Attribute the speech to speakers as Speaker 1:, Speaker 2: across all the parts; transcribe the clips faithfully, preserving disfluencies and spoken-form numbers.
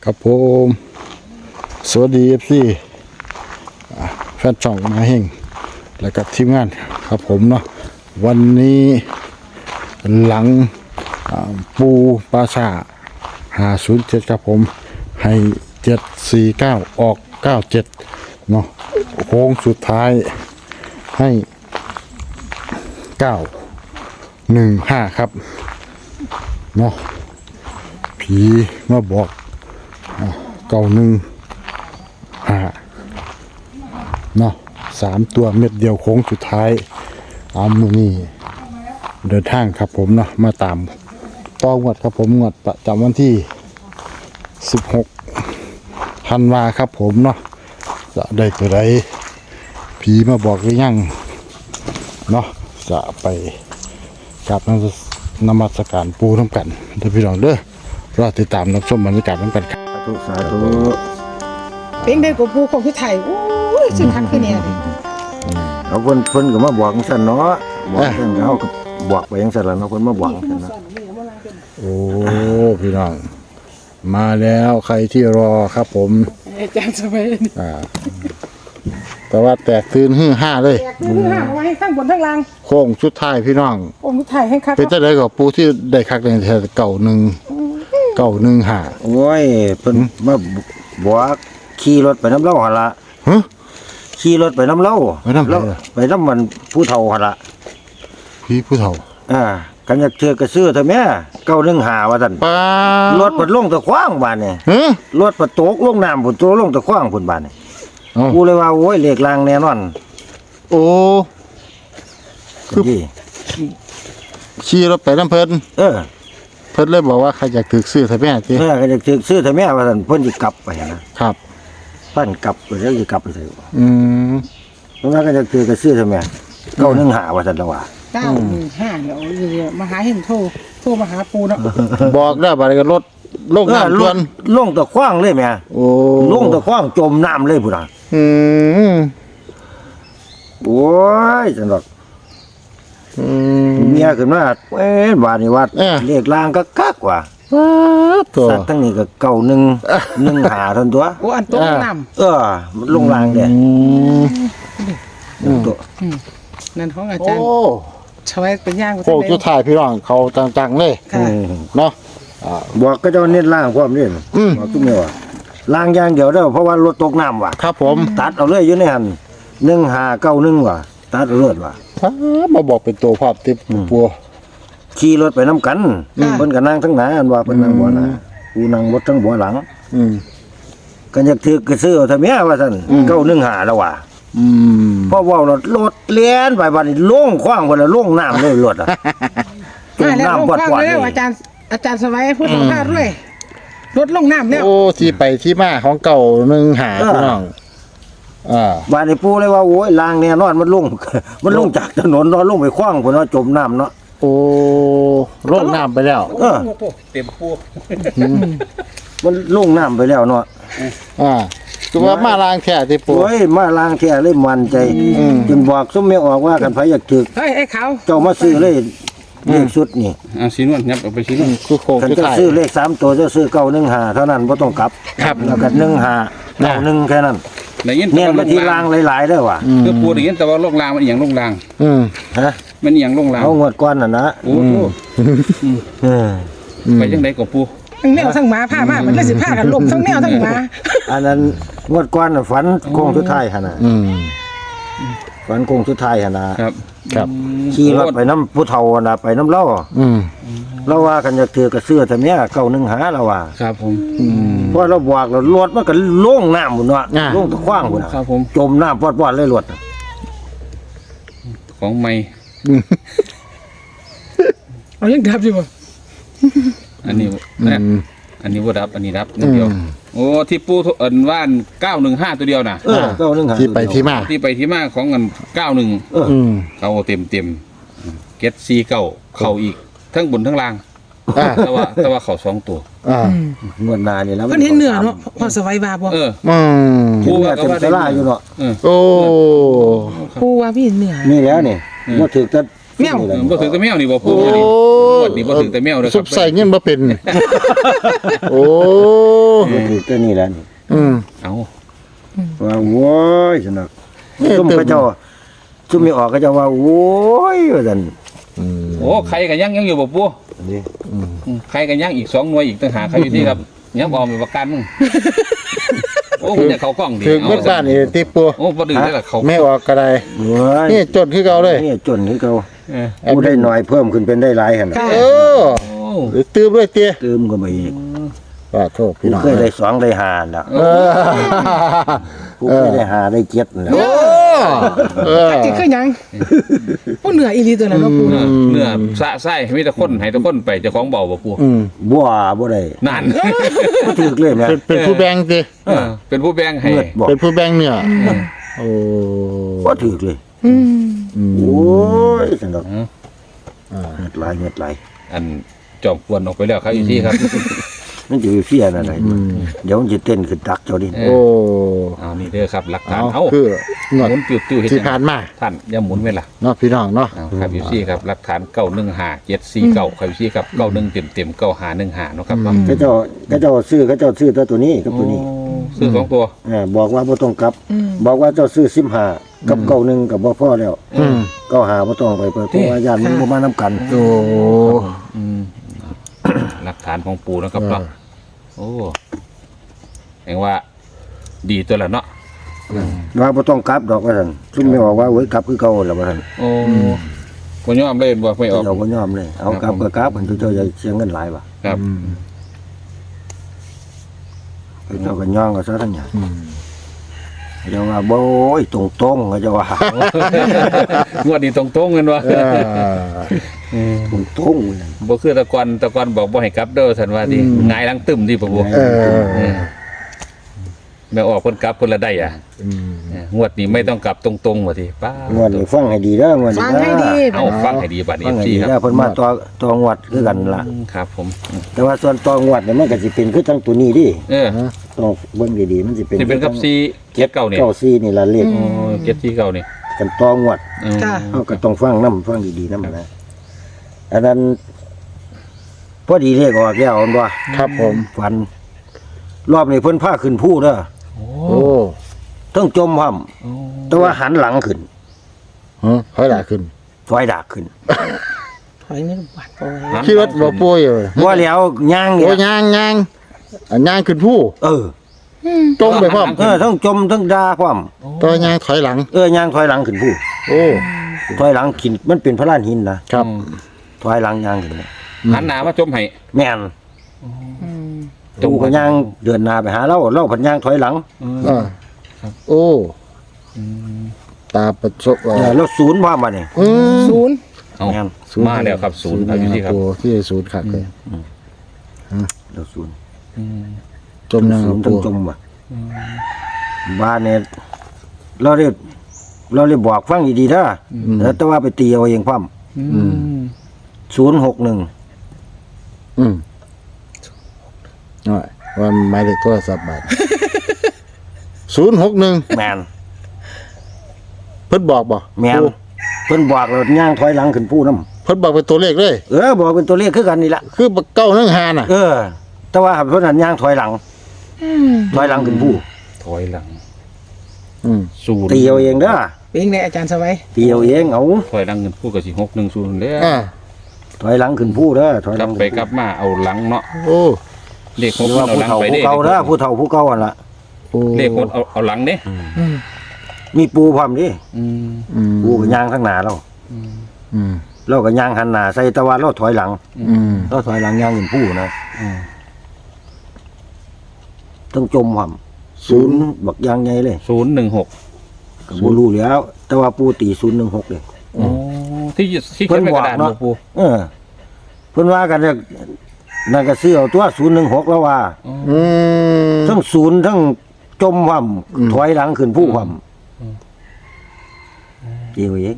Speaker 1: ครับผมสวัสดี เอฟ ซี แฟนช่องมาเฮงและกับทีมงานครับผมเนาะวันนี้หลังปูปราชาห้าศูนย์เจ็ดครับผมให้เจ็ดสี่เก้าออกเก้าเจ็ดเนาะโค้งสุดท้ายให้เก้าหนึ่งห้าครับเนาะผีมาบอกเก้าหนึ่งห้าเนาะสามตัวเม็ดเดียวโค้งสุดท้ายเอามือนี่เดินทางครับผมเนาะมาตามต่องวดครับผมงวดประจำวันที่สิบหกธันวาครับผมเนาะจะได้ตัวใดผีมาบอกหรือยังเนาะจะไปกับนมัสการปูน้ำกันเดี๋ยวพี่น้องเด้อรอติดตามรับชมบรรยากาศน้ำกันครับ
Speaker 2: สาธุสาธุ
Speaker 3: เป็นได้กับปูของพี่ไทยโอ้ยสุดทักคือเนี่ย
Speaker 2: เขาเพิ่นเพิ่นก็มาบอกจังซั่นเนาะบอกจังซั่นเขาก็บอกไปจังซั่นล่ะเนาะเพิ่นมาบอกจังซั่นเนาะ
Speaker 1: โอ้พี่น้องมาแล้วใครที่รอครับผม
Speaker 3: อาจารย์สมัยนี้
Speaker 1: อ่าแต่ว่าแตกตื่นฮือห้าเลย
Speaker 3: แตกคือห้าเอาไว้ให้ข้างบนข้างล่าง
Speaker 1: โค้งชุดท้ายพี่น้อง
Speaker 3: องค์พี่ไทยให้คัก
Speaker 1: เป็นเจ้าใดกับปูที่ได้คักในแถวเก่าหนึ่งเก่าหนึ่งห้า
Speaker 2: โอ้ยเพิ่นมาบอกขี่รถไปน้ำเล่าหั่นล่ะ
Speaker 1: ฮะ
Speaker 2: ขี่รถไปน้ำเล่า
Speaker 1: ไปนำไผ
Speaker 2: แล้ว
Speaker 1: ล่ะ
Speaker 2: ไปน้ำมันผู้เฒ่าหั่นล่ะ
Speaker 1: พี่ผู้เฒ่า
Speaker 2: อ่ากันอยากเทือกก็ซื้อเถอะแม่เก้าหนึ่งห้าว่าซั่น
Speaker 1: ป้าร
Speaker 2: ถเปิดลงตะขว้างบาดนี่
Speaker 1: ฮะ
Speaker 2: รถเปิดตกลงน้ำพุ่นตกลงตะขว้างพุ่นบาดนี่
Speaker 1: เอ้า
Speaker 2: กูเลยว่าโอ้ยเลขลางแน่นอน
Speaker 1: โอ้ คือ
Speaker 2: นี่
Speaker 1: ขี่รถไปน้ำเพิ่น
Speaker 2: เออ
Speaker 1: เพิ่นเลยบอกว่าใครอยากถือซื้อใช่ไหมจี
Speaker 2: เออก็อยากเทือกซื้อเถอะแม่ว่าซั่นเพิ่นสิกลับไปนะครับ ปั้นกลับไปแล้วสิกลับไปไส
Speaker 1: อืม
Speaker 2: เพราะว่าก็จะเจอกับซื้อทำไมเก้าหนึ่งหาว่าสันตะว่า
Speaker 3: เก้าหนึ่งห้าเดี๋ยวเดี๋ยวมาหาเห็นโทรโทรมาหาปูเนาะ
Speaker 1: บอกได้บัดนี้ก็รถลงน้ำ
Speaker 2: ล
Speaker 1: ท่ว
Speaker 2: ง
Speaker 1: น
Speaker 2: ลงตะคว้างเลยแม่
Speaker 1: โอ้
Speaker 2: ลงตะคว้างจมน้ำเลยพุ่นน่ะ
Speaker 1: อืม
Speaker 2: โอ้ยจังดอก
Speaker 1: อืม
Speaker 2: เมียขึ้นมาเอ้ยบาดนี่ว่า
Speaker 1: เอ้อ
Speaker 2: เลขลางก็คักว่า
Speaker 1: ว้าตัว
Speaker 2: สัตว์ทั้งนี้ก็เก้าหนึ่งหนึ่งหาทันตัว
Speaker 3: โอ้อันโต๊ะน้
Speaker 2: เออมันลงลางเด้
Speaker 1: อืม
Speaker 2: ตัว
Speaker 3: ำอืมนั่นของอา
Speaker 1: โอ้
Speaker 3: จารย์ชวยเป็นย่าง
Speaker 1: โค้งสุดท้ายพี่น้องเขาจังๆเลย
Speaker 3: ค่ะ
Speaker 2: อืม
Speaker 1: เนาะอ่า
Speaker 2: บอกก็เจะเน้นล่างพร้อมนี่
Speaker 1: อืม
Speaker 2: บอกทุกเมื่อว่าล่างอย่างเดียวเด้อเพราะว่ารถตกน้ำว่ะ
Speaker 1: ครับผม
Speaker 2: ตัดเอาเลยอยู่ในหันหนึ่งหาเก้าหนึ่งว่ะตัดเอาเลยว่ะ
Speaker 1: ถ้ามาบอกเป็นตัวภาพติดปัว
Speaker 2: ขี่รถไปน้ำกันเพิ่นก็นั่งทั้งหน้าอันว่าเพิ่นนั่งบ่หน้ากูนั่งบดทั้งบ่หลัง
Speaker 1: อืม
Speaker 2: ก็อยากถือกระซื้อเอาทำแม่ว่าซั่นเก้าหนึ่งหาแล้วว่ะ
Speaker 1: อืม
Speaker 2: เพราะว่ารถรถเลี้ยนไปบัดนี้ลงขว้างพุ่นน่ะลงน้ำเลยรถอ่ะจม
Speaker 3: มาแล้ว
Speaker 2: น้ำ
Speaker 3: ลง
Speaker 2: ปอด
Speaker 3: ข้าง
Speaker 2: ปอด
Speaker 3: แล้ว
Speaker 2: เลย
Speaker 3: อาจารย์อาจารย์สมัยพูดถึงข้าด้วยรถลงน้ำแล้ว
Speaker 1: โอ้ที่ไปที่มาของเก่าหนึ่งหาพี่น้องอ่า
Speaker 2: บัดนี้ปู่เลยว่าโอ้ยลางแน่นอนมันลง มันลงจากถนนเนาะลงไปขว้างพุ่นเนาะจมน้ำเนาะ
Speaker 1: โอ้ลงน้ำไปแล้ว
Speaker 2: เออ
Speaker 4: เต็มพวก
Speaker 2: มันลงน้ำไปแล้วเนาะ
Speaker 1: อ่าคือว่ามาล้างแค่ที่ปู
Speaker 2: โอ้ยมาลางแท้เลยมั่นใจจนบอกซุมแม่ออกว่ากันไผอยากถือ
Speaker 3: เฮ้ยไอ้เขา
Speaker 2: เจ้ามาซื้อเลยเลขชุดนี่
Speaker 4: เอาสีนวลยับเอาไปสีนวล
Speaker 1: คือโค้ง
Speaker 2: คัน
Speaker 1: สุด
Speaker 2: จะ
Speaker 1: ท้าย
Speaker 2: ซื้อเลขสามตัวจะซื้อเก้าหนึ่งหาเท่านั้นบ่ต้องกลับ
Speaker 1: ครับ
Speaker 2: แล้วก็หนึ่งหาเก้าหนึ่งแค่นั้น
Speaker 4: ได้ยิน
Speaker 2: เน้น
Speaker 4: แต่
Speaker 2: ไป
Speaker 4: ว่าล
Speaker 2: ที่
Speaker 4: ง
Speaker 2: รางหลายๆเด้อว่ะ
Speaker 4: คือปูได้ยินแต่ว่าลงรางมันอหย่างลงราง
Speaker 1: อืม
Speaker 2: ฮะ
Speaker 4: มันอหย่างลงราง
Speaker 2: เอางวดก้อนน่ะนะ
Speaker 4: โอ้โห
Speaker 2: เออ
Speaker 4: ไปจังไดกับปู
Speaker 3: ทั้งแมวทั้งหมาผ้ามามันเลยสิผ้ากันลมทั้งแมวทั้งหมา
Speaker 2: อันนั้นงวดก้อนน่ะฝันโค้งสุดท้ายหั่นน่ะ
Speaker 1: อืม
Speaker 2: ฝันโค้งสุดท้ายหั่นน่ะ
Speaker 4: ครับ
Speaker 1: ครับ
Speaker 2: ขี่รถไปน้ำผู้เฒ่าน่ะไปน้ำเล่า
Speaker 1: อืม
Speaker 2: เราว่ากันจะถือกระเสื้อแต่เนี้ยเก้าหนึ่งหาเราว่า
Speaker 4: ครับผม
Speaker 1: อืม
Speaker 2: เพราะเราบอกเรารถมันก็ลงน้ำหมดเนาะ
Speaker 1: อ่า
Speaker 2: ลงตะขว้างหมด
Speaker 4: ครับผม
Speaker 2: จมน้ำปอดๆเลยรถน่ะ
Speaker 4: ของใหม่
Speaker 3: เอายังดับอยู่บ่
Speaker 4: อันนี้
Speaker 1: อื
Speaker 4: นะ
Speaker 1: ม
Speaker 4: อันนี้บ่ดับอันนี้ดับนิดเดียว
Speaker 1: อืม
Speaker 4: โอ้ที่ปูเอิ้นว่านเก้าหนึ่งห้าตัวเดียวน่ะ
Speaker 2: เออเก้าหนึ่งหา
Speaker 1: ที่ไปที่มา
Speaker 4: ที่ไปที่มาของเงินเก้าหนึ่ง
Speaker 2: เออ
Speaker 1: อืม
Speaker 4: เขาเต็มเต็มเก็ตซีเก้าเข้าอีกทั้งบนทั้งล่าง
Speaker 1: อ่า
Speaker 4: แต่ว่าแต่ว่าเขาสองตัว
Speaker 1: อ่า
Speaker 2: งวดหนานี่แล้ว
Speaker 3: เพิ่นเห็นเหนือเนาะพอสบายบาบ่
Speaker 4: เออ
Speaker 1: อืม
Speaker 2: ปูว่าเต็มสลาอยู่เนาะ
Speaker 4: เออ
Speaker 1: โอ้
Speaker 3: ปูว่าพี่เหนือ
Speaker 2: นี่แล้วนี่
Speaker 4: อืม
Speaker 2: มาถือแต่
Speaker 3: แมว
Speaker 4: เออบ่ถือแต่แมวนี่บ่ปู
Speaker 1: โอ้
Speaker 4: งวดนี้บ่ถือแต่แมวเด้อค
Speaker 1: ซุ
Speaker 4: รับ
Speaker 1: ปใส่เงินบ่เป็น โอ้
Speaker 2: ก็คือตัวนี้แหละนี่
Speaker 1: อืม
Speaker 4: เอา
Speaker 2: ว่าโว้ยสนัก
Speaker 1: เนี่ย
Speaker 2: ซุ่มเขาเจ้าซุ่มไม่ออกเขาเจ้าว่าโว้ยว่าซั่น
Speaker 1: อืม
Speaker 4: โอ้ใครก็ยังยังอยู่บ่ปู
Speaker 2: นี่
Speaker 4: อืมใครก็ยังอีกสองหน่วยอีกต่างหากใครอยู่ที่ครับยังบ่มีประกันมึงโอ้คุณจะเข้ากล้องดิ
Speaker 1: ถึงเบิดบ้านนี่ติปัว
Speaker 4: โอ้บ่ดื้อได้ล่ะเขา
Speaker 1: ไม่ออกก็ได้
Speaker 2: โว้ย
Speaker 1: นี่จดคือเก่าเลย
Speaker 2: นี่จนคือเขา
Speaker 4: เออ
Speaker 2: ผู้ได้น้อยเพิ่มขึ้นเป็นได้หลายหั่นน่ะ
Speaker 3: ค่ะ
Speaker 1: เออ
Speaker 4: โอ้
Speaker 1: หรือตื้มด้วยเตี้ย
Speaker 2: เติมก็ไปอีก
Speaker 1: ว่าโทษพี่
Speaker 2: ผู้
Speaker 1: น้อง
Speaker 2: เคยได้สองได้ห้าแล้ว
Speaker 1: เออ
Speaker 2: ผู้เคยได้ห้าได้เจ็ดแล้ว
Speaker 1: โอ้เออ
Speaker 3: จิคือหยังพวกเหนืออีหลีตัวนั้นเนาะปู
Speaker 4: เนื้อ
Speaker 3: เนาะ
Speaker 4: เนื้อสะไส้มีแต่คนให้แต่คนไปเจ้าของเบาบ่ปู
Speaker 1: อืม
Speaker 2: บ่บ่ได้
Speaker 4: นั่น
Speaker 2: บ่ถูกเลยแม่
Speaker 1: เป็นเป็นผู้แบ่งติ
Speaker 4: เออเป็นผู้แบ่งให้
Speaker 2: เงือดบอก
Speaker 1: เป็นผู้แบ่งเนี่ยโอ้
Speaker 2: บ่ถูกเลย
Speaker 3: อืม
Speaker 1: อืม
Speaker 2: โอ้ยสนุก
Speaker 4: อืม
Speaker 2: เงือดหลายเงือดหลาย
Speaker 4: อันจอมกวนออกไปแล้วครับอยู่ที่ครับ
Speaker 2: มันจะไปเฟี้ยนอะไรเดี๋ยวมันจะเต้นขึ้นตักเจ้าดิ
Speaker 4: เอ
Speaker 1: โอ้
Speaker 4: เอานี่เด้อครับหลักฐาน
Speaker 1: เอา
Speaker 4: เอา
Speaker 1: คือหนวด
Speaker 4: หมุนติ้วๆเฮ็ด
Speaker 1: ที่
Speaker 4: จัง
Speaker 1: ผ่านมา
Speaker 4: ท่านอย่าหมุนไว้ล่ะ
Speaker 1: เนาะพี่น้องเนาะ
Speaker 4: เอาครับอยู่ที่ครับหลักฐานเก้าหนึ่งห้าเจ็ดสี่เก้าครับอยู่ที่ครับเก้าหนึ่งเต็มเต็มเก้าห้าหนึ่งห้าเนาะครับเนาะ
Speaker 2: เขาเจ้าเขาเจ้าซื้อเขาเจ้าซื้อตัวตัวนี้กับตัวนี้
Speaker 4: โอ้ซื้อสองตัว
Speaker 2: เออบอกว่าบ่ต้องกลับ บอกว่าเจ้าซื้อสิบห้ากับเก้าหนึ่งกับบ่พอแล้ว
Speaker 1: อืม
Speaker 2: เก้าหาบ่ต้องไปเปิดเพราะว่าญาติมันบ่มานํกัน
Speaker 1: โอ้
Speaker 4: อืมหลักฐานของปูนะครับเนาะโอ้แห่งว่าดีตัวละเนาะ
Speaker 2: ว่าบ่ต้องกลับดอกว่าซั่นซุ่มไม่ออกว่าโอ้ยกลับคือเก่าแล้วว่าซั่น
Speaker 4: โอ้บ่ยอมเล่นบ่ไม่ออก
Speaker 2: เจ้าบ่ยอมเลยเอากลับก็กลับมันเจ้าจะเสียเงินหลายว่ะ
Speaker 4: ครับ
Speaker 2: เจ้าก็ย่องก็ซะทั้งหยังเจ้าว่าบ่โอ้ยตรงๆเขาเจ้าว่า
Speaker 4: งวดนี้ตรงๆกันวะ
Speaker 1: เออ
Speaker 2: ตรงๆนั่น
Speaker 4: บ่คือแตะกอนแตะกอนบอกบ่ให้กลับเด้อสันว่าดิหงายหลังตึมดิบ่บ่
Speaker 1: เออ
Speaker 4: เออแม่ออกเพิ่นกลับเพิ่นละได้อ่ะ
Speaker 1: อืม
Speaker 4: เอองวดนี้ไม่ต้องกลับตรงๆว่าติป้าง
Speaker 2: วดนี้ฟังให้ดีเด้องวดนี้
Speaker 3: ฟังให้ดี
Speaker 4: เอาฟังให้ดีบัดนี้
Speaker 2: ฟังให้
Speaker 4: พี่
Speaker 2: ดี
Speaker 4: ค
Speaker 2: เด้อ
Speaker 4: รับ
Speaker 2: เพิ่นมาต่อต่องวดคือกันล่ะ
Speaker 4: ครับผม
Speaker 2: แต่ว่าส่วนต่องวดเนี่ยมันก็สิเป็นคือทั้งตัวนี้ดิ
Speaker 4: เออ
Speaker 2: ต้องเบิ่งดีๆมันสิเป็น
Speaker 4: สิเป็นกับสี่เจ็ดเก้านี่
Speaker 2: เก้าสี่นี่ล่ะเลข
Speaker 4: โอ้เจ็ดสี่เก้านี่
Speaker 2: กันต่องวด
Speaker 4: อืม
Speaker 3: ค่ะ
Speaker 2: เฮาก็ต้องฟังนำฟังดีๆนำนะอันนั้นพอดีเลขออกแล้วอันว่า
Speaker 1: ครับผม
Speaker 2: ฝัน รอบนี้เพิ่นพาขึ้นผู้เด้อ
Speaker 4: โอ้
Speaker 1: โอ้
Speaker 2: ต้องจมพร้อมแต่ว่าหันหลังขึ้น
Speaker 1: ฮะค่อยหลายขึ้น
Speaker 2: ถอยดากขึ้น
Speaker 3: ถอยเงินบาทปล่อย
Speaker 1: คิดว่าบ่ป่วยอยู่
Speaker 2: บ่แล้วย่างเนี่
Speaker 1: โอ้
Speaker 2: ย
Speaker 1: ยางยางอันยางขึ้นผู้
Speaker 2: เออ
Speaker 1: จมไปพร้อม
Speaker 2: เออต้องจมต้องด่าพร้อม
Speaker 1: ตัวยางถอยหลัง
Speaker 2: เออย่างถอยหลังขึ้นผู้
Speaker 1: โอ้
Speaker 2: ถอยหลังขึ้นมันเป็นพระลานหินนะครับ ถอยหลังย่างขึ้น
Speaker 4: หันหน้ามาจมให้
Speaker 2: แม่น
Speaker 3: อืม
Speaker 2: ตูก็ย่างเดินหน้าไปหาเราเราผันย่างถอยหลัง
Speaker 1: เออโอ้ตาประสบ
Speaker 2: เออแล้วศูนย์ว่ามาเนี่ย
Speaker 1: อืม
Speaker 3: ศูนย์
Speaker 4: เอา
Speaker 2: แม่น
Speaker 4: มาแล้วครับศูนย์ครับอยู่ที่ครับ
Speaker 1: โอ้ที่ศูนย์ขัดเลย
Speaker 2: แล้วศูนย์
Speaker 1: จมยัง
Speaker 2: ศูนย์
Speaker 1: ปู
Speaker 2: ต้องจมว่ะบ้านเนี่ยเราเรียกเราเรียกบอกฟังดีๆนะแล้วแต่ว่าไปตีเอาเองพร้อม
Speaker 4: อืม
Speaker 2: ศูนย์หกหนึ่ง
Speaker 1: อืมน้อยว่าหมายเลขโทรศัพท์บัตรศูนย์หกหนึ่ง
Speaker 2: แมน
Speaker 1: เพิ่นบอกบ่
Speaker 2: แมนเพิ่นบอกเราย่างถอยหลังขึ้นผู้น้
Speaker 1: เพิ่นบอกเป็นตัวเลขเลย
Speaker 2: ำเออบอกเป็นตัวเลขคือกันนี่ละ
Speaker 1: คือเก้าหนึ่งหาน่ะ
Speaker 2: เออ แต่ว่าเพิ่นหันย่างถอยหลังถอยหลังขึ้นผู้
Speaker 4: ถอยหลัง
Speaker 1: อืม
Speaker 4: ศูนย์
Speaker 2: ตีเอาเองเด้อ
Speaker 3: เป็นไงอาจารย์สวัย
Speaker 2: ตีเอาเองเอา
Speaker 4: ถอยหลังเงินพูดกับสิหกหนึ่งศูนย์เด้อ
Speaker 1: อ่า
Speaker 2: ถอยหลังขึ้นผู้เด้อถอยห
Speaker 4: ก
Speaker 2: ลั
Speaker 4: ลับ
Speaker 2: ง
Speaker 4: ไปกลับมาเอาหลังเนาะ
Speaker 1: โอ้
Speaker 4: เลขห
Speaker 2: ห
Speaker 4: ก
Speaker 2: รือ
Speaker 4: มั
Speaker 2: ว่าน
Speaker 4: เอา
Speaker 2: ผู้
Speaker 4: หลัง
Speaker 2: เฒ่า
Speaker 4: ไป
Speaker 2: ผู้
Speaker 4: เด้
Speaker 2: เก่าเด้อผู้เฒ่าผู้เก่าหั่นล่ะ
Speaker 1: โอ้
Speaker 4: เลขหกเอาเอาหลังเด้
Speaker 3: อืม
Speaker 2: มีปูพร้อมดิ
Speaker 4: อืม
Speaker 1: อืม
Speaker 2: ปูก็ย่างข้างหน้าเรา
Speaker 1: อืม
Speaker 2: เราก็ย่างหันหน้าใส่แตะวันเราถอยหลัง
Speaker 1: อืม
Speaker 2: เราถอยหลังย่างขึ้นผู้นะ
Speaker 4: อืม
Speaker 2: ต้องจมพร้อมศูนย์บักย่างใหญ่เลย
Speaker 4: ศูนย์หนึ่งหก
Speaker 2: ก็บ่รู้แล้ว แต่ว่าปูตีศูนย์หนึ่งหกเลย
Speaker 4: โอ้ที่ที่เขียนในกระดาษ
Speaker 2: เพิ่นบอกเนาะ
Speaker 4: บ่ปู
Speaker 2: เออเพิ่นว่ากันเนี่ยนั่นก็ซื้อเอาตัวศูนย์หนึ่งหกแล้วว่า
Speaker 1: อืม
Speaker 2: ทั้งศูนย์ทั้งจมความถอยหลังขึ้นผู้ความเดียวเอง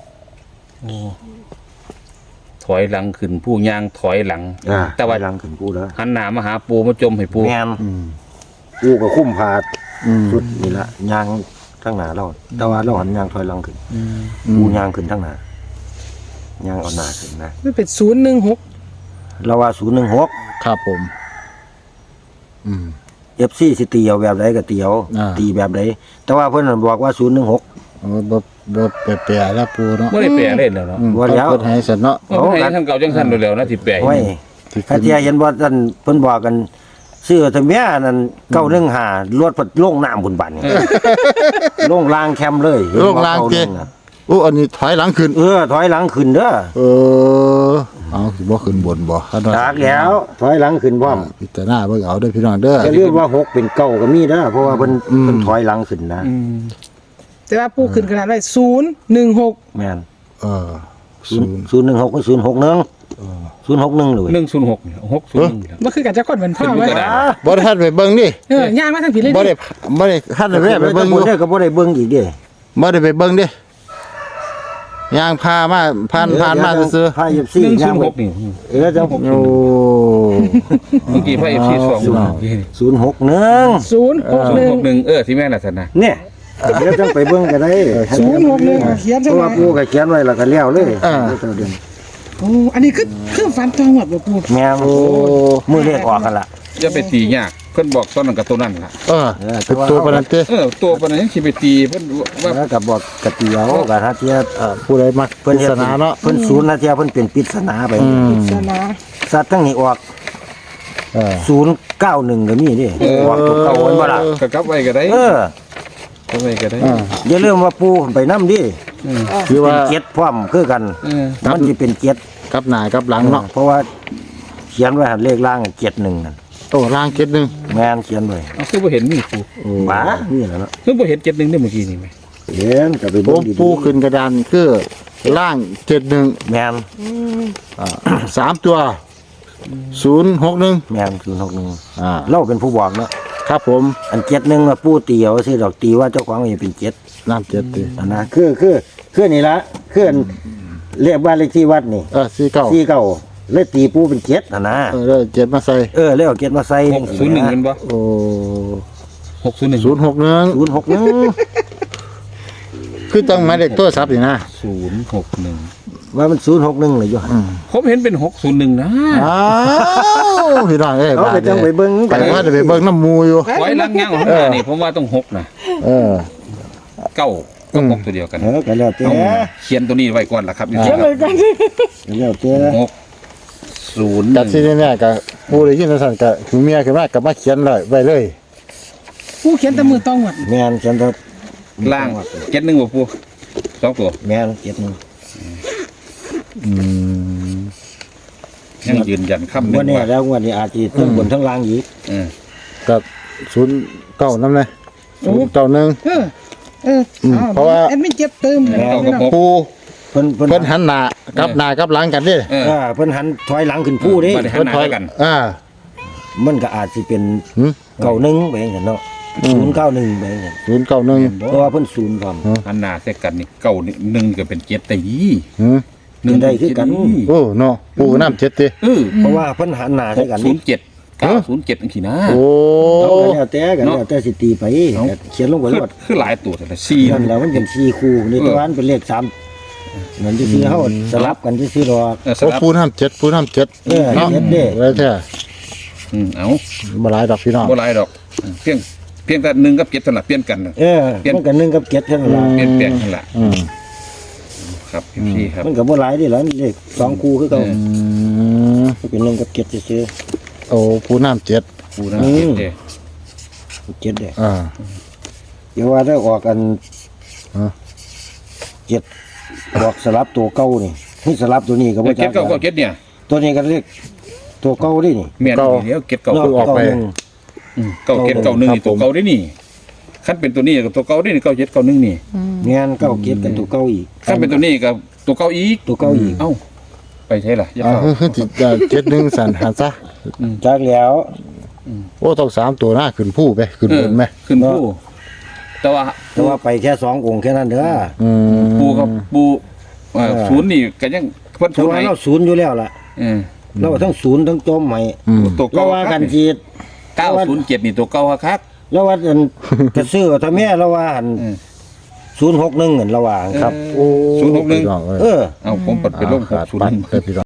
Speaker 4: ถอยหลังขึ้นผู้ย่างถอยหลัง
Speaker 2: อ่า
Speaker 4: แต่ว่า
Speaker 2: ถอยหลังขึ้นผู้แล้ว
Speaker 4: หันหน้ามาหาปูมาจมให้ปู
Speaker 2: แม่น
Speaker 1: อืม
Speaker 2: ปูก็คุ้มผาด
Speaker 1: อืม
Speaker 2: สุดนี่ละยางทั้งหน้าเราแต่ว่าเราหันยางถอยหลังขึ้น
Speaker 4: อืม
Speaker 2: ปูยางขึ้นทั้งหน้ายังเอาหน้าขึ้นนะ
Speaker 3: มันเป็นศูนย์หนึ่งหก
Speaker 2: เราว่าศูนย์หนึ่งหก
Speaker 1: ครับผม อืม
Speaker 2: เอฟซีสิตีเอาแบบใดก็ตีเอา
Speaker 1: อ่า
Speaker 2: ตีแบบใดแต่ว่าเพิ่นบอกว่าศูนย์หนึ่งหก
Speaker 1: โอ้บ่บ่แปลๆแล้วปูเนาะ
Speaker 4: ไม่ได้แปลเล่นแล้วเนาะ
Speaker 1: อืม
Speaker 2: ว่าแล้ว
Speaker 1: เพิ่นให้สันเนาะ
Speaker 4: ว่าให้ท่านเก่าจังสั้นเร็วๆนะที่แปล
Speaker 2: ไว้
Speaker 1: ที่
Speaker 2: ถ้า
Speaker 1: ขึ้น
Speaker 2: เทียเห็นว่าท่านเพิ่นบอกกันซื้อทะเมียนั่นเก้าหนึ่งห้ารถพัดลงน้ำบุญบันนี่ลงลางแคมเลยเห็น
Speaker 1: โร
Speaker 2: บ่
Speaker 1: คลางเก
Speaker 2: ก้หนึ่น่ะ
Speaker 1: โอ้อันนี้ถอยหลังขึ้น
Speaker 2: เออถอยหลังขึ้นเด้อ
Speaker 1: เออเอาสิบ่ขึ้นบนบ่คันว่า
Speaker 2: จากแล้ว ถอยหลังขึ้นพร้อม
Speaker 1: พิจารณาเบิ่งเอาเด้อพี่น้องเด้อ
Speaker 2: จะเรียกว่าหกเป็นเก้าก็มีเด้อเพราะว่าเพิ่น
Speaker 1: อืม
Speaker 2: เพิ่นถอยหลังขึ้นนะ
Speaker 3: แต่ว่าปูขึ้นขนาดไว้ศูนย์หนึ่งหก
Speaker 2: แม่น
Speaker 1: เออ
Speaker 2: ศู
Speaker 1: ศู
Speaker 2: น
Speaker 1: น
Speaker 2: ย์
Speaker 1: ย์
Speaker 2: ศูนย์หนึ่งหกกับศูนย์หกหนึ่งศูนย์หกหนึ่งเลย
Speaker 4: หนึ่งศูนย์หกหกศูนย์หนึ่ง
Speaker 3: มันคือกันจะคนเหมือนพ่อ
Speaker 4: ขึ้น
Speaker 3: ไว้
Speaker 4: กระดาษ
Speaker 1: บ่ได้ทันไปเบิ่งดิ
Speaker 3: เออย่างมาทางผีเลย
Speaker 1: บ่
Speaker 3: ดิ
Speaker 1: ได้บ่ได้ทันไปแวะไป
Speaker 2: เบิ่
Speaker 1: เบิ่
Speaker 2: ง
Speaker 1: ง
Speaker 2: อ
Speaker 1: อยู่ ยู่
Speaker 2: เด้อก็บ่ได้เบิ่งอีกเด้
Speaker 1: บ่ได้ไปเบิ่งดิย่างพามาผ่านผ่านมาซื่อ
Speaker 2: พาเอฟซี
Speaker 4: หนึ่งศู
Speaker 2: ย่าง
Speaker 4: นย์
Speaker 2: ไป
Speaker 4: หกนี่
Speaker 2: เออจัง
Speaker 1: ๆโอ้
Speaker 4: เมื่อกี้พระเอฟซีสอง
Speaker 2: ศูนย์หกหนึ่ง
Speaker 3: ศูนย์หก
Speaker 4: ศู
Speaker 3: ห
Speaker 4: นย์
Speaker 3: นึ่ง
Speaker 4: หกหนึ่งเออที่แม่น่ะสันนะ
Speaker 2: เนี่ยเดี๋ยวจังไปเบิ่งก็ได้
Speaker 3: ศูนย์หกหนึ่งเขียน
Speaker 2: เพ
Speaker 3: ใช่
Speaker 2: ราะ
Speaker 3: ไหม
Speaker 2: ว่าปู่ก็เขียนไว้แล้วก็แล้วเลยเดือน
Speaker 3: โอ้อันนี้คือคือฟันทองหมดบ่ปู
Speaker 2: แม่น
Speaker 1: โอ้
Speaker 2: มือเลขออกกันล่ะ
Speaker 4: จะไปตียากเพิ่นบอกตอนนั้นกับตัวนั้นล่ะ
Speaker 1: เออเป็นตัวปานนั้นเด้
Speaker 4: เออตัวปานนั้นยังสิไปตีเพิ่นว่า
Speaker 2: แล้วก็บอกกะเตียวกะถ้าเทีย
Speaker 1: เอ่อผู้ใดมัก
Speaker 2: เพิ่น
Speaker 1: ป
Speaker 2: เฮ็
Speaker 1: ริ
Speaker 2: ด
Speaker 1: ศนาเนาะ
Speaker 2: เพิ่นศูนย์นะเทียเพิ่นเป็นปริศนาไป
Speaker 1: อืม
Speaker 3: ศาสนา
Speaker 2: สัตว์ทั้งนี้ออก
Speaker 1: เออ
Speaker 2: ศูนย์เก้าหนึ่งก็มีดิออกตัวเก่าไว้บ่ล่ะ
Speaker 4: ก็กลับไว้ก็ได้
Speaker 2: เออ
Speaker 4: กลับไว้ก็ได้
Speaker 1: อ่า
Speaker 2: อย่าลืมว่าปู่ไปนำดิ
Speaker 1: คือ
Speaker 2: เป็
Speaker 1: ว่าน
Speaker 2: เจ็ดพร้อมคือกัน
Speaker 4: เออ
Speaker 2: มันสิเป็นเจ็ด
Speaker 1: กับหน้ากับหลังเนาะ
Speaker 2: เพราะว่าเขียนไว้หันเลขล่างเจ็ดหนึ่งนั่น
Speaker 1: โอ้ล่างเก็ดหนึง
Speaker 2: แม่นเขียนไว้
Speaker 4: เอาคือบ่เห็นมีปู
Speaker 2: บ้านี่แหละเนาะ
Speaker 4: คือบ่เห็นเจ็ดหนึ่งได้เมื่อกี้นี่ไหม
Speaker 2: เห็นก็ไป
Speaker 1: ผ
Speaker 2: เบิ่ง
Speaker 1: ม
Speaker 2: ดี
Speaker 1: ปูขึ้นกระดานคือล่างเจ็ดหนึ่ง
Speaker 2: ๆแม่น
Speaker 1: อ่าสามตัวศูนย์หกหนึ่ง
Speaker 2: แม่นศูนย์หกหนึ่ง
Speaker 1: อ่า
Speaker 2: เราเป็นผู้บอกเนาะ
Speaker 1: ครับผม
Speaker 2: อันเจ็ดหนึ่งน่ะปู่ตีเอาสิดอกตีว่าเจ้าของมันเป็นเจ็ด
Speaker 1: น้ำเจ็ดตี
Speaker 2: อันนะคือคือคือนี่ละคืออันเรียกบ้านเลขที่วัดนี่
Speaker 1: เออสี่เก้า
Speaker 2: ที่เก่าเลยตีปู่เป็นเจ็ดอันนะ
Speaker 1: เออแล้วเจ็ดมาใส่
Speaker 2: เออเลยเอาเจ็ดมาใส่
Speaker 4: หกศูนย์หนึ่งเป็นบ่
Speaker 1: โอ้
Speaker 4: หกศูนย์หนึ่ง
Speaker 1: ศูนย์หกหนึ่ง
Speaker 2: ศูนย์หกหนึ่ง
Speaker 1: คือต้องหมายเลขโทรศัพท์นี่นะ
Speaker 4: ศูนย์หกหนึ่ง
Speaker 2: ว่ามันศูนย์หกหนึ่งเลยอยู่หั่น
Speaker 4: ผมเห็นเป็นหกศูนย์หนึ่งนะ
Speaker 1: อ้าวพี่น้องเอ้ย
Speaker 2: เอาไปจังไปเบิ่ง
Speaker 1: ไปว่าจะไปเบิ่งน้ำมูอยู่
Speaker 4: ไว้ลังย่างของหน้านี่ผมว่าต้องหกนะ
Speaker 1: เออ
Speaker 4: เก้าก็หกตัวเดียวกัน
Speaker 2: เออก็แล้วแต่
Speaker 4: เอาเขียนตัวนี้ไว้ก่อนละครับอยู่
Speaker 3: เขี
Speaker 4: ที่
Speaker 3: ยน
Speaker 4: ค
Speaker 3: เล
Speaker 4: รับ
Speaker 3: ยกัน
Speaker 2: ก็แล้วแต่
Speaker 4: หกศูนย์ห
Speaker 1: จัด
Speaker 4: นึ่ง
Speaker 1: ที่นี่เนี่ยกับผู้ได้ยินสั่นกับคือเมียขึ้นมากับมาเขียนเลยไว้เลย
Speaker 3: ปูเขียนแต่มือต้องหมด
Speaker 2: แม่นฉันก็
Speaker 4: ล่างเจ็ดหนึ่งบ่ปูสองตัว
Speaker 2: แม่นเจ็ดหนึ่ง
Speaker 1: อืม
Speaker 4: ยังยืนยันคำหนึ่
Speaker 2: วัน
Speaker 4: ง
Speaker 2: นี้
Speaker 4: ว่า
Speaker 2: แล้ววันนี้อาจจะทั้งบนทั้งล่างอีก
Speaker 4: เออ
Speaker 1: กับศูนย์เก้าน้ำเลยศูนย์เก้าหนึ่ง
Speaker 3: เออเออ
Speaker 1: ม
Speaker 3: อ้าว
Speaker 1: เพราะว่า
Speaker 3: แอดมินเจ็บเติมเลย
Speaker 4: เก้ากับหก
Speaker 1: ปู
Speaker 2: เพิ่นเพิ่น
Speaker 1: เพิ่นหันหน้ากับหน้ากับหลังกันดิ
Speaker 4: เออ
Speaker 2: เออเพิ่นหันถอยหลังขึ้นผู้เด้
Speaker 4: บัดนี้หันหน้าด้วยกัน
Speaker 1: อ่า
Speaker 2: มันก็อาจสิเป็น
Speaker 1: หืม
Speaker 2: เก้าหนึ่งไปจังซั่นเนาะศูนย์เก้าหนึ่งไปจังซั่น
Speaker 1: ศูนย์เก้าหนึ่ง
Speaker 2: เพราะว่าเพิ่นศูนย์พร้อม
Speaker 4: หันหน้าใส่กันนี่เก้านี่หนึ่งก็เป็นเจ็ดแต่ยี่
Speaker 1: หืม
Speaker 4: หนึ่ง
Speaker 2: ได้คือกัน
Speaker 1: โอ้เนาะปูน้ำเจ็ดติ
Speaker 4: เออ
Speaker 2: เพราะว่าเพิ่นหันหน้า
Speaker 4: ห
Speaker 2: ใส่
Speaker 4: ก
Speaker 2: กัน
Speaker 4: ศู
Speaker 2: นี่
Speaker 4: นย์เจ็ดเก้าศูนย์เจ็ดอันขี้นะ
Speaker 1: โอ้
Speaker 2: เอาก็แล้วแต่กันแล้วแต่สิตีไป
Speaker 4: เอ้า
Speaker 2: เขียนลงไว้
Speaker 4: คือ
Speaker 2: ว่า
Speaker 4: คือหลายตัวแต่ละสี่
Speaker 2: นั่นแหล้วมันเป็นสี่คู่นี่ตัวนั้นเป็นเลขสามนั่นจะซื้อเฮาสลับกันจะซื้อดอก
Speaker 4: เออส
Speaker 1: โอ้
Speaker 4: ลับ
Speaker 1: ปูน้ำเจ็ดปูน้ำเจ็ด
Speaker 2: เออ
Speaker 1: เนาะ
Speaker 2: เจ็ดเด้
Speaker 1: แล้วแท้
Speaker 4: อืมเอา
Speaker 1: มาหลายดอกพี่น้อง
Speaker 4: บ่หลายดอกเพียงเพียงแต่หนึ่งกับเจ็ดสลับเปลี่ยนกันน่ะ
Speaker 2: เออมันก็หนึ่งกับเจ็ดเท่านั้นล่ะ
Speaker 4: เปลี่ยนแปลงนั่นแหละ
Speaker 1: อืม
Speaker 4: ครับพี่ครับ
Speaker 2: มันก็บ่หลายเด้ล่ะเลขสองคู่คือเก่า
Speaker 4: เออ
Speaker 1: อืม
Speaker 2: มันเป็นหนึ่งกับเจ็ดซื่อ
Speaker 1: โอ้ปูน้ำเจ็ด
Speaker 4: ปูนะเจ็ดเด้
Speaker 2: ๆเจ็ดเด้
Speaker 1: อ่า
Speaker 2: เดี๋ยวว่าได้ออกกัน
Speaker 1: ฮะ
Speaker 2: เจ็ดออกสลับตัวเก่านี่นี่สลับตัวนี้ก็บ่
Speaker 4: เจ็
Speaker 2: จั
Speaker 4: ด
Speaker 2: ก
Speaker 4: เก้าก็เจ็ดเนี่ย
Speaker 2: ตัวนี้ก็เลขตัวเก่าดินี่
Speaker 4: เมียนเดียวเจ็ดเก้า
Speaker 2: เนาะ
Speaker 1: ออกไป
Speaker 2: เก้าหนึ่ง
Speaker 4: อืมเก้าเจ็ดเก้าหนึ่งนี่ตัวเก้าได้นี่ขั้นเป็นตัวนี้กับตัวเก้าได้นี่เก้าเจ็ดเก้าหนึ่งนี่
Speaker 2: แม่นเก้าเจ็ดกันตัวเก่าอีก
Speaker 4: ขั้นเป็นตัวนี้กับตัวเก้าอีก
Speaker 2: ตัวเก่าอีก
Speaker 4: เอ้าไปใช่ล่ะอย่า
Speaker 1: อ่า
Speaker 4: เข้า
Speaker 1: เฮ้ยจิตเจ็ดหนึ่งสันหันซะ
Speaker 2: จักแล้ว
Speaker 1: โอ้ต้องสามตัวหน้าขึ้นผู้ไปขึ้น
Speaker 4: เอบ อน
Speaker 1: ไหม
Speaker 4: ขึ้นผู้แต่ว่า
Speaker 2: แต่ว่าไปแค่สององค์แค่นั้นเด้อ
Speaker 1: อืม
Speaker 4: ปูกับปูเอ่อ
Speaker 2: เออ
Speaker 4: ศูนย์นี่ก็ยังเพิ่น
Speaker 2: แต่
Speaker 4: ศูนย์
Speaker 2: ว่า
Speaker 4: ไหน
Speaker 2: เราศูนย์อยู่แล้วล่ะ
Speaker 4: เออ
Speaker 2: เราทั้งศูนย์ทั้งจมใหม่
Speaker 1: อืม
Speaker 4: ตัว
Speaker 2: เรา
Speaker 4: เก้า
Speaker 2: ว่ากันจีด
Speaker 4: เก้าศูนย์เจ็ดนี่ตัวเก้าคัก
Speaker 2: แล้วว่าอัน กระซื้อถ้าแม่เราว่าอัน
Speaker 4: เออ
Speaker 2: ศูนย์หกหนึ่งเงินระหว่างครับ
Speaker 1: โอ้
Speaker 4: ศูนย์หกหนึ่ง
Speaker 1: พี่น้องเอ้ย
Speaker 2: เออ
Speaker 4: เอาผมปัดไปลงหก
Speaker 1: ขาด
Speaker 4: ศูนย์
Speaker 1: ปัด
Speaker 4: หนึ่ง
Speaker 1: เลยพี่น้อง